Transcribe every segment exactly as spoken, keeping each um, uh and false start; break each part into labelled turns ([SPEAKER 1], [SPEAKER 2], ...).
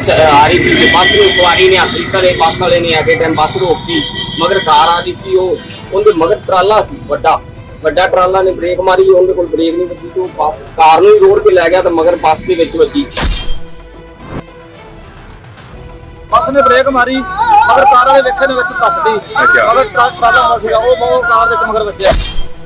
[SPEAKER 1] आ रही थी, बस में सवारी ने हासिल करे, बस वाले ने आके टाइम बस रोकी, मगर कार आ रही सी, उनके मगर ट्राला सी वड्डा वड्डा ट्राला ने ब्रेक मारी, उनके कोल ब्रेक नहीं वजी तो बस कार नूं ही रोड के लै गया तो मगर बस दे विच वजी।
[SPEAKER 2] बस ने ब्रेक मारी मगर कार वाले वेखे ने विच धक्कदी, मगर ट्राला आउंदा सीगा ਉਹ ਉਹ ਕਾਰ ਦੇ ਵਿੱਚ ਮਗਰ ਵੱਜਿਆ।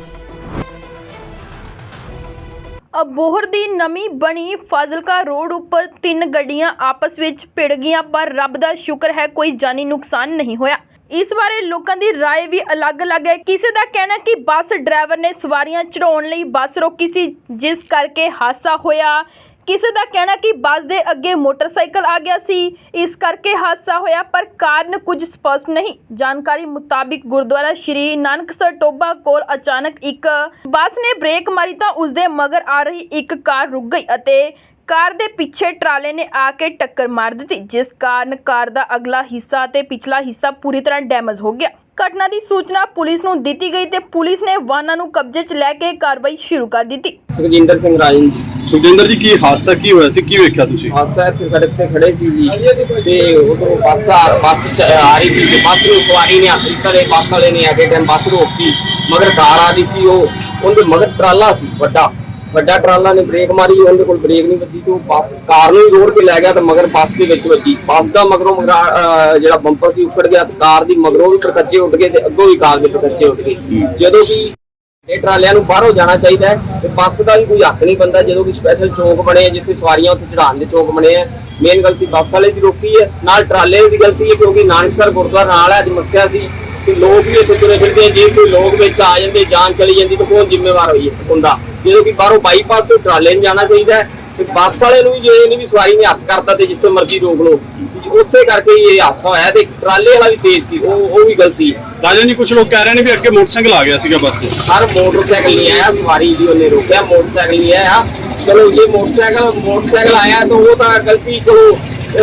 [SPEAKER 3] ਅਬੋਹਰ ਦੀ ਨਵੀਂ ਬਣੀ ਫਾਜ਼ਿਲਕਾ ਰੋਡ ਉੱਪਰ ਤਿੰਨ ਗੱਡੀਆਂ ਆਪਸ ਵਿੱਚ ਭਿੜ ਗਈਆਂ, ਪਰ ਰੱਬ ਦਾ ਸ਼ੁਕਰ ਹੈ ਕੋਈ ਜਾਨੀ ਨੁਕਸਾਨ ਨਹੀਂ ਹੋਇਆ। ਇਸ ਬਾਰੇ ਲੋਕਾਂ ਦੀ ਰਾਏ ਵੀ ਅਲੱਗ-ਅਲੱਗ ਹੈ। ਕਿਸੇ ਦਾ ਕਹਿਣਾ ਕਿ ਬੱਸ ਡਰਾਈਵਰ ਨੇ ਸਵਾਰੀਆਂ ਚੜਾਉਣ ਲਈ ਬੱਸ ਰੋਕੀ ਸੀ, ਜਿਸ ਕਰਕੇ ਹਾਦਸਾ ਹੋਇਆ। ਕਿਸੇ ਦਾ ਕਹਿਣਾ ਕਿ ਬੱਸ ਦੇ ਅੱਗੇ ਮੋਟਰਸਾਈਕਲ ਆ ਗਿਆ ਸੀ, ਇਸ ਕਰਕੇ ਹਾਦਸਾ ਹੋਇਆ, ਪਰ ਕਾਰਨ ਕੁਝ ਸਪਸ਼ਟ ਨਹੀਂ। ਜਾਣਕਾਰੀ ਮੁਤਾਬਿਕ ਗੁਰਦੁਆਰਾ ਸ਼੍ਰੀ ਨਾਨਕਸਰ ਟੋਬਾ ਕੋਲ ਅਚਾਨਕ ਇੱਕ ਬੱਸ ਨੇ ਬ੍ਰੇਕ ਮਾਰੀ ਤਾਂ ਉਸਦੇ ਮਗਰ ਆ ਰਹੀ ਇੱਕ ਕਾਰ ਰੁਕ ਗਈ ਅਤੇ ਕਾਰ ਦੇ ਪਿੱਛੇ ਟਰਾਲੇ ਨੇ ਆ ਕੇ ਟੱਕਰ ਮਾਰ ਦਿੱਤੀ, ਜਿਸ ਕਾਰਨ ਕਾਰ ਦਾ ਅਗਲਾ ਹਿੱਸਾ ਅਤੇ ਪਿਛਲਾ ਹਿੱਸਾ ਪੂਰੀ ਤਰ੍ਹਾਂ ਡੈਮੇਜ ਹੋ ਗਿਆ। ਘਟਨਾ ਦੀ ਸੂਚਨਾ ਪੁਲਿਸ ਨੂੰ ਦਿੱਤੀ ਗਈ ਤੇ ਪੁਲਿਸ ਨੇ ਵਾਹਨਾਂ ਨੂੰ ਕਬਜ਼ੇ 'ਚ ਲੈ ਕੇ ਕਾਰਵਾਈ ਸ਼ੁਰੂ ਕਰ ਦਿੱਤੀ।
[SPEAKER 1] ਸੁਖਜਿੰਦਰ ਸਿੰਘ ਰਾਜਨ ਜੀ।
[SPEAKER 4] ਸੁਖਜਿੰਦਰ ਜੀ, ਕੀ ਹਾਦਸਾ ਕੀ ਹੋਇਆ ਸੀ, ਕੀ ਵੇਖਿਆ ਤੁਸੀਂ?
[SPEAKER 1] ਹਾਦਸਾ ਇੱਥੇ ਸੜਕ ਤੇ ਖੜੇ ਸੀ ਜੀ ਤੇ ਉਧਰੋਂ ਬੱਸ ਆ ਬੱਸ ਚ ਆ ਰਹੀ ਸੀ, ਬੱਸ ਨੂੰ ਸਵਾਰੀ ਨੇ ਹਾਸਿਲ ਕਰੇ, ਬੱਸ ਵਾਲੇ ਨੇ ਆ ਕੇ ਟਾਈਮ ਬੱਸ ਰੋਕੀ, ਮਗਰ ਕਾਰ ਆ ਰਹੀ ਸੀ, ਉਹ ਉਹਦੇ ਮਗਰ ਟਰਾਲਾ ਸੀ ਵੱਡਾ ਵੱਡਾ ਟਰਾਲਾ ਨੇ ਬ੍ਰੇਕ ਮਾਰੀ, ਉਹਦੇ ਕੋਲ ਬ੍ਰੇਕ ਨਹੀਂ ਵੱਜੀ ਤੇ ਬੱਸ ਕਾਰ ਨੂੰ ਹੀ ਰੋਡ ਕੇ ਲੈ ਗਿਆ ਤੇ ਮਗਰ ਬੱਸ ਦੇ ਵਿੱਚ ਵੱਜੀ। ਬੱਸ ਦਾ ਮਗਰੋਂ ਮਗਰਾ ਜਿਹੜਾ ਬੰਪਰ ਸੀ ਉੱਕੜ ਗਿਆ ਤੇ ਕਾਰ ਦੀ ਮਗਰੋਂ ਵੀ ਪਰਕੱਚੇ ਉੱਡ ਗਏ ਤੇ ਅੱਗੋਂ ਵੀ ਕਾਰ ਦੇ ਪਰਕੱਚੇ ਉੱਡ ਗਏ। ਜਦੋਂ ਕਿ ਇਹ ਟਰਾਲਿਆਂ ਨੂੰ ਬਾਹਰੋਂ ਜਾਣਾ ਚਾਹੀਦਾ ਹੈ ਤੇ ਬੱਸ ਦਾ ਵੀ ਕੋਈ ਹੱਕ ਨਹੀਂ ਬਣਦਾ, ਜਦੋਂ ਕਿ ਸਪੈਸ਼ਲ ਚੌਂਕ ਬਣੇ ਜਿੱਥੇ ਸਵਾਰੀਆਂ ਉੱਥੇ ਚੜਾਉਣ ਦੇ ਚੌਂਕ ਬਣੇ ਆ। ਮੇਨ ਗਲਤੀ ਬੱਸ ਵਾਲੇ ਦੀ ਰੋਕੀ ਹੈ, ਨਾਲ ਟਰਾਲੇ ਦੀ ਗਲਤੀ ਹੈ, ਕਿਉਂਕਿ ਨਾਨਕਸਰ ਗੁਰਦੁਆਰਾ ਨਾਲ ਅੱਜ ਮੱਸਿਆ ਸੀ ਕਿ ਲੋਕ ਵੀ ਇੱਥੇ ਤੁਰੇ ਫਿਰਦੇ, ਜੇ ਕੋਈ ਲੋਕ ਵਿੱਚ ਆ ਜਾਂਦੇ, ਜਾਨ ਚਲੀ ਜਾਂਦੀ ਤਾਂ ਕੌਣ ਜ਼ਿੰਮੇਵਾਰ ਹੋਈ ਹੁੰਦਾ। ਜਦੋਂ ਕਿ ਬਾਹਰੋਂ ਬਾਈਪਾਸ ਤੋਂ ਟਰਾਲੇ ਨੂੰ ਜਾਣਾ ਚਾਹੀਦਾ ਹੈ ਤੇ ਬੱਸ ਵਾਲੇ ਨੂੰ ਵੀ ਜੇ ਇਹਨੇ ਵੀ ਸਵਾਰੀ ਨੇ ਹੱਥ ਕਰਤਾ ਤੇ ਜਿੱਥੇ ਮਰਜ਼ੀ ਰੋਕ ਲਓ, ਉਸੇ ਕਰਕੇ ਇਹ ਹਾਦਸਾ ਹੋਇਆ ਤੇ ਟਰਾਲੇ ਵਾਲਾ ਵੀ ਤੇਜ਼ ਸੀ, ਉਹ ਉਹ ਵੀ ਗਲਤੀ ਹੈ।
[SPEAKER 4] ਰਾਜਨ ਜੀ, ਕੁਝ ਲੋਕ ਕਹਿ ਰਹੇ ਨੇ ਵੀ ਅੱਗੇ ਮੋਟਰਸਾਈਕਲ ਆ ਗਿਆ ਸੀਗਾ ਬੱਸ ਤੇ।
[SPEAKER 1] ਸਰ ਮੋਟਰਸਾਈਕਲ ਨਹੀਂ ਆਇਆ, ਸਵਾਰੀ ਦੀ ਉਹਨੇ ਰੋਕਿਆ, ਮੋਟਰਸਾਈਕਲ ਨਹੀਂ ਆਇਆ। ਚਲੋ ਜੇ ਮੋਟਰਸਾਈਕਲ ਮੋਟਰਸਾਈਕਲ ਆਇਆ ਤਾਂ ਉਹ ਤਾਂ ਗਲਤੀ ਚਲੋ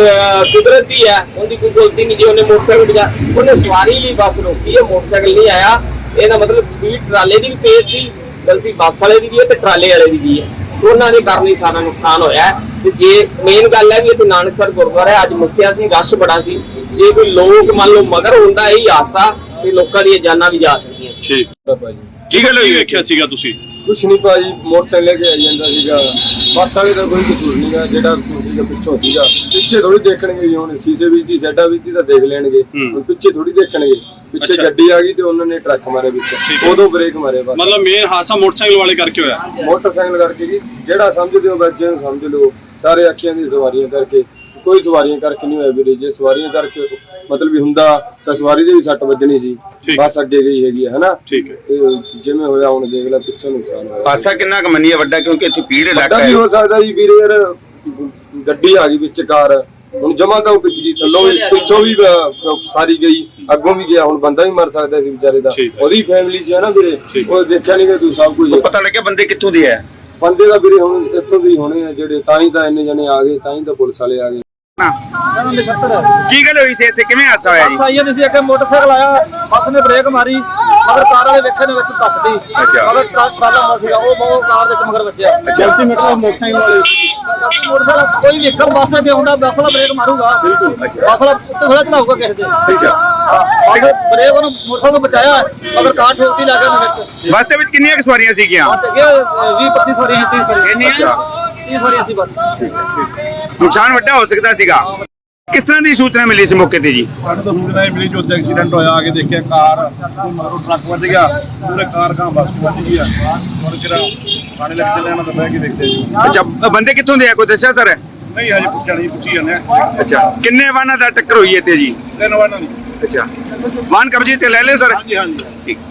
[SPEAKER 1] ਕੁਦਰਤ ਦੀ ਹੈ, ਉਹਦੀ ਕੋਈ ਗਲਤੀ ਨਹੀਂ। ਜੇ ਉਹਨੇ ਮੋਟਰਸਾਈਕਲ ਬਜਾ ਉਹਨੇ ਸਵਾਰੀ ਲਈ ਬੱਸ ਰੋਕੀ ਹੈ, ਮੋਟਰਸਾਈਕਲ ਨਹੀਂ ਆਇਆ, ਇਹਦਾ ਮਤਲਬ ਸਪੀਡ ਟਰਾਲੇ ਦੀ ਵੀ ਤੇਜ਼ ਸੀ, ਗਲਤੀ ਬੱਸ ਵਾਲੇ ਦੀ ਵੀ ਹੈ ਤੇ ਟਰਾਲੇ ਵਾਲੇ ਦੀ ਵੀ ਹੈ, ਉਹਨਾਂ ਦੇ ਕਾਰਨ ਹੀ ਸਾਰਾ ਨੁਕਸਾਨ ਹੋਇਆ। ਤੇ ਜੇ ਮੇਨ ਗੱਲ ਹੈ ਵੀ ਇੱਥੇ ਨਾਨਕਸਰ ਗੁਰਦੁਆਰਾ ਅੱਜ ਮੱਸਿਆ ਸੀ, ਰਸ਼ ਬੜਾ ਸੀ, ਜੇ ਕੋਈ ਲੋਕ ਮੰਨ ਲਓ ਮਗਰ ਹੁੰਦਾ ਇਹ ਹਾਦਸਾ ਤੇ ਲੋਕਾਂ ਦੀਆਂ ਜਾਨਾਂ ਵੀ ਜਾ ਸਕਦੀਆਂ ਸੀ।
[SPEAKER 4] ਠੀਕ ਭਾਜੀ, ਕੀ ਗੱਲ ਹੋਈ ਵੇਖਿਆ ਸੀਗਾ ਤੁਸੀਂ?
[SPEAKER 2] ਕੁਛ ਨਹੀਂ ਭਾਜੀ, ਮੋਟਰਸਾਈਕਲ ਲੈ ਕੇ ਆਈ ਜਾਂਦਾ ਸੀਗਾ, ਬੱਸ ਵਾਲੇ ਦਾ ਕੋਈ ਕਸੂਰ ਨਹੀਂਗਾ, ਜਿਹੜਾ ਕਸੂਰ ਸੀਗਾ ਪਿੱਛੋਂ ਸੀਗਾ। ਪਿੱਛੇ ਥੋੜੀ ਦੇਖਣਗੇ ਜੀ, ਹੁਣ ਸ਼ੀਸ਼ੇ ਵਿੱਚ ਦੀ ਸਾਈਡਾਂ ਵਿੱਚ ਦੀ ਤਾਂ ਦੇਖ ਲੈਣਗੇ, ਹੁਣ ਪਿੱਛੇ ਥੋੜੀ ਦੇਖਣਗੇ। ਪਿੱਛੇ ਗੱਡੀ ਆ ਗਈ ਤੇ ਉਹਨਾਂ ਨੇ ਟਰੱਕ ਮਾਰੇ ਵਿੱਚ, ਉਦੋਂ ਬ੍ਰੇਕ ਮਾਰੇ। ਬਸ
[SPEAKER 4] ਮਤਲਬ ਮੇਨ ਹਾਦਸਾ ਮੋਟਰਸਾਈਕਲ ਵਾਲੇ ਕਰਕੇ ਹੋਇਆ।
[SPEAKER 2] ਮੋਟਰਸਾਈਕਲ ਕਰਕੇ ਜੀ, ਜਿਹੜਾ ਸਮਝਦੇ ਹੋ ਬੱਚੇ ਨੂੰ ਸਮਝ ਲਓ, ਸਾਰੇ ਅੱਖੀਆਂ ਦੀ ਸਵਾਰੀਆਂ ਕਰਕੇ, ਕੋਈ ਸਵਾਰੀਆਂ ਕਰਕੇ ਨਹੀਂ ਹੋਇਆ ਵੀਰੇ। ਜੇ ਸਵਾਰੀਆਂ ਕਰਕੇ ਮਤਲਬ ਵੀ ਹੁੰਦਾ ਤਾਂ ਸਵਾਰੀ ਦੇ ਵੀ ਸੱਟ ਵੱਜਣੀ ਸੀ, ਬੱਸ ਅੱਗੇ ਗਈ ਹੈਗੀ ਹੈ ਹਨਾ।
[SPEAKER 4] ਠੀਕ ਹੈ,
[SPEAKER 2] ਤੇ ਜਿਵੇਂ ਹੋਇਆ ਹੁਣ ਦੇਖ ਲੈ ਪਿੱਛੋਂ ਨੁਕਸਾਨ ਹੋਇਆ।
[SPEAKER 5] ਹਾਦਸਾ ਕਿੰਨਾ ਕੁ ਮੰਨੀਏ ਵੱਡਾ, ਕਿਉਂਕਿ ਇੱਥੇ ਪੀੜ ਇਲਾਕਾ
[SPEAKER 2] ਹੈ। ਹੋ ਸਕਦਾ ਜੀ ਵੀਰੇ, ਯਾਰ ਗੱਡੀ ਆ ਗਈ ਵਿੱਚ, ਕਾਰ ਹੁਣ ਜਮਾ ਤਾਂ ਉਹ ਪਿੱਛੇ ਥੱਲੋਂ ਵੀ ਪਿੱਛੋਂ ਵੀ ਸਾਰੀ ਗਈ, ਅੱਗੋਂ ਵੀ ਗਿਆ, ਹੁਣ ਬੰਦਾ ਵੀ ਮਰ ਸਕਦਾ ਸੀ ਵਿਚਾਰੇ ਦਾ, ਉਹਦੀ ਫੈਮਿਲੀ ਸੀ ਹਨਾ ਵੀਰੇ, ਉਹ ਦੇਖਿਆ ਨਹੀਂ ਕਿ ਤੂੰ ਸਭ ਕੁਝ
[SPEAKER 5] ਪਤਾ ਲੱਗਿਆ ਬੰਦੇ ਕਿੱਥੋਂ ਦੇ ਆ।
[SPEAKER 2] ਬੰਦੇ ਦਾ ਵੀਰੇ ਹੁਣ ਇੱਥੋਂ ਦੇ ਹੋਣੇ ਆ ਜਿਹੜੇ, ਤਾਂ ਹੀ ਤਾਂ ਇੰਨੇ ਜਣੇ ਆ ਗਏ, ਤਾਂ ਹੀ ਤਾਂ ਪੁਲਿਸ ਵਾਲੇ ਆ ਗਏ।
[SPEAKER 5] ਕੀ ਗੱਲ ਹੋਈ ਸੀ ਇੱਥੇ, ਕਿਵੇਂ ਹਾਦਸਾ ਹੋਇਆ ਜੀ?
[SPEAKER 2] ਸਾਈਆਂ ਨੇ ਸੀ, ਅੱਗੇ ਮੋਟਰਸਾਈਕਲ ਆਇਆ, ਬੱਸ ਨੇ ਬ੍ਰੇਕ ਮਾਰੀ, ਮਗਰ ਕਾਰ ਵਾਲੇ ਵੇਖੇ ਨੇ ਵਿੱਚ ਧੱਕਦੀ, ਮਗਰ ਟਰਾਲਾ ਆਉਂਦਾ ਸੀਗਾ, ਉਹ ਉਹ ਕਾਰ ਦੇ ਵਿੱਚ ਮਗਰ ਵੱਜਿਆ।
[SPEAKER 4] ਜਲਦੀ ਮਤਲਬ ਮੋਟਰਸਾਈਕਲ ਵਾਲੇ
[SPEAKER 2] ਮੋਟਰਸਾਈਕਲ ਕੋਈ ਵੇਖਣ ਬੱਸ ਤੇ ਆਉਂਦਾ, ਬੱਸ ਵਾਲਾ ਬ੍ਰੇਕ ਮਾਰੂਗਾ, ਬੱਸ ਵਾਲਾ ਉੱਤੇ ਥੋੜਾ ਚੜਾਊਗਾ ਕਿਸੇ ਦੇ।
[SPEAKER 4] ਠੀਕ ਹੈ,
[SPEAKER 2] ਬੱਸ ਬ੍ਰੇਕ ਉਹਨੂੰ ਮੋਟਰਸਾਈਕਲ ਨੂੰ ਬਚਾਇਆ, ਮਗਰ ਕਾਰ ਠੋਕਦੀ ਲੱਗ ਗਿਆ ਵਿੱਚ।
[SPEAKER 5] ਬੱਸ ਦੇ ਵਿੱਚ ਕਿੰਨੀਆਂ ਕੁ ਸਵਾਰੀਆਂ ਸੀਗੀਆਂ?
[SPEAKER 2] ਵੀਹ ਪੱਚੀ ਸਵਾਰੀਆਂ, ਤੀਹ ਸਵਾਰੀਆਂ, ਤੀਹ ਸਵਾਰੀਆਂ ਸੀ ਬੱਸ।
[SPEAKER 5] ਨੁਕਸਾਨ ਵੱਡਾ ਹੋ ਸਕਦਾ ਸੀਗਾ। ਕਿਸ ਤਰ੍ਹਾਂ ਦੀ ਸੂਚਨਾ ਮਿਲੀ ਸੀ ਮੌਕੇ ਤੇ ਜੀ?
[SPEAKER 4] ਸਾਨੂੰ ਤਾਂ ਸੂਚਨਾ ਇਹ ਮਿਲੀ ਜੋ ਉੱਥੇ ਐਕਸੀਡੈਂਟ ਹੋਇਆ, ਆ ਕੇ ਦੇਖਿਆ ਕਾਰ ਮਗਰੋਂ ਟਰੱਕ ਵੱਜ ਗਿਆ, ਪੂਰੇ ਕਾਰ ਕਾਂ ਬੱਸ ਵੱਜ ਗਈ ਆ। ਹੁਣ ਕਿਹੜਾ ਥਾਣੇ ਲੱਗ ਚੱਲੇ ਨਾ ਤਾਂ ਬਹਿ ਕੇ ਦੇਖਦੇ ਜੀ।
[SPEAKER 5] ਅੱਛਾ, ਬੰਦੇ ਕਿੱਥੋਂ ਦੇ ਆ, ਕੋਈ ਦੱਸਿਆ ਸਰ?
[SPEAKER 4] ਨਹੀਂ ਹਜੇ ਪੁੱਛਿਆ ਨਹੀਂ, ਪੁੱਛੀ ਜਾਂਦੇ।
[SPEAKER 5] ਅੱਛਾ, ਕਿੰਨੇ ਵਾਹਨਾਂ ਦਾ ਟੱਕਰ ਹੋਈ ਇੱਥੇ ਜੀ?
[SPEAKER 4] ਤਿੰਨ ਵਾਹਨਾਂ ਦੀ।
[SPEAKER 5] ਅੱਛਾ, ਵਾਹਨ ਕਬਜ਼ੇ ਤੇ ਲੈ ਲਏ ਸਰ?
[SPEAKER 4] ਹਾਂਜੀ ਹਾਂਜੀ।
[SPEAKER 5] ਠੀਕ।